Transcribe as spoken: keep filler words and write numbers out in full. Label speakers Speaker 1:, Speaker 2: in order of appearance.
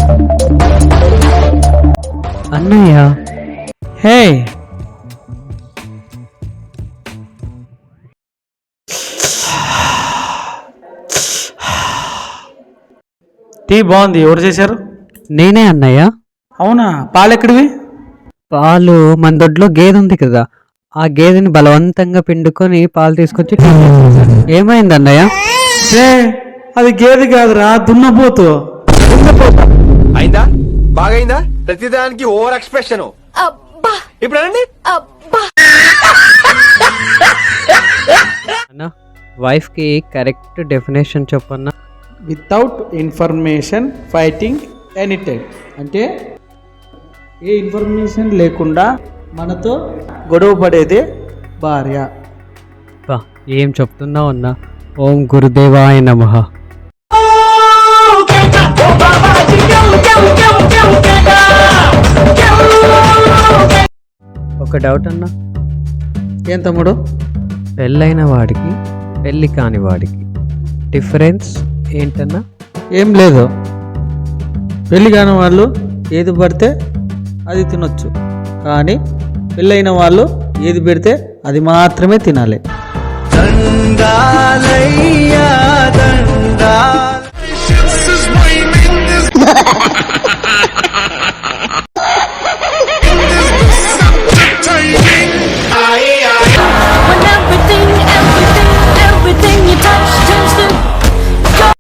Speaker 1: అన్నయ్య
Speaker 2: హే టీ బాగుంది. ఎవరు చేశారు?
Speaker 1: నేనే అన్నయ్య.
Speaker 2: అవునా? పాలు ఎక్కడివి?
Speaker 1: పాలు మన దొడ్లో గేదె ఉంది కదా, ఆ గేదెని బలవంతంగా పిండుకొని పాలు తీసుకొచ్చి టీ చేసేసాను. ఏమైంది అన్నయ్య?
Speaker 2: హే అది గేదె కాదురా, దున్నపోతు. దున్నపోతు
Speaker 3: అయిందా? బాగైందా? ప్రతిదానికి ఓవర్ ఎక్స్ప్రెషన్. ఇప్పుడు అనండి.
Speaker 1: అన్న, వైఫ్ కి కరెక్ట్ డెఫినేషన్ చెప్పన్నా.
Speaker 2: Without information fighting any time అంటే ఏ ఇన్ఫర్మేషన్ లేకుండా మనతో గొడవ పడేదే భార్య.
Speaker 1: బా, ఏం చెప్తున్నావు అన్న. ఓం గురుదేవాయ నమః. ఒక డౌట్ అన్న.
Speaker 2: ఏం తమ్ముడు?
Speaker 1: పెళ్ళైన వాడికి పెళ్ళి కాని వాడికి డిఫరెన్స్ ఏంటన్నా?
Speaker 2: ఏం లేదు. పెళ్ళి కాని వాళ్ళు ఏది పడితే అది తినొచ్చు, కానీ పెళ్ళైన వాళ్ళు ఏది పెడితే అది మాత్రమే తినాలి.
Speaker 4: దండాలయ్యా దండ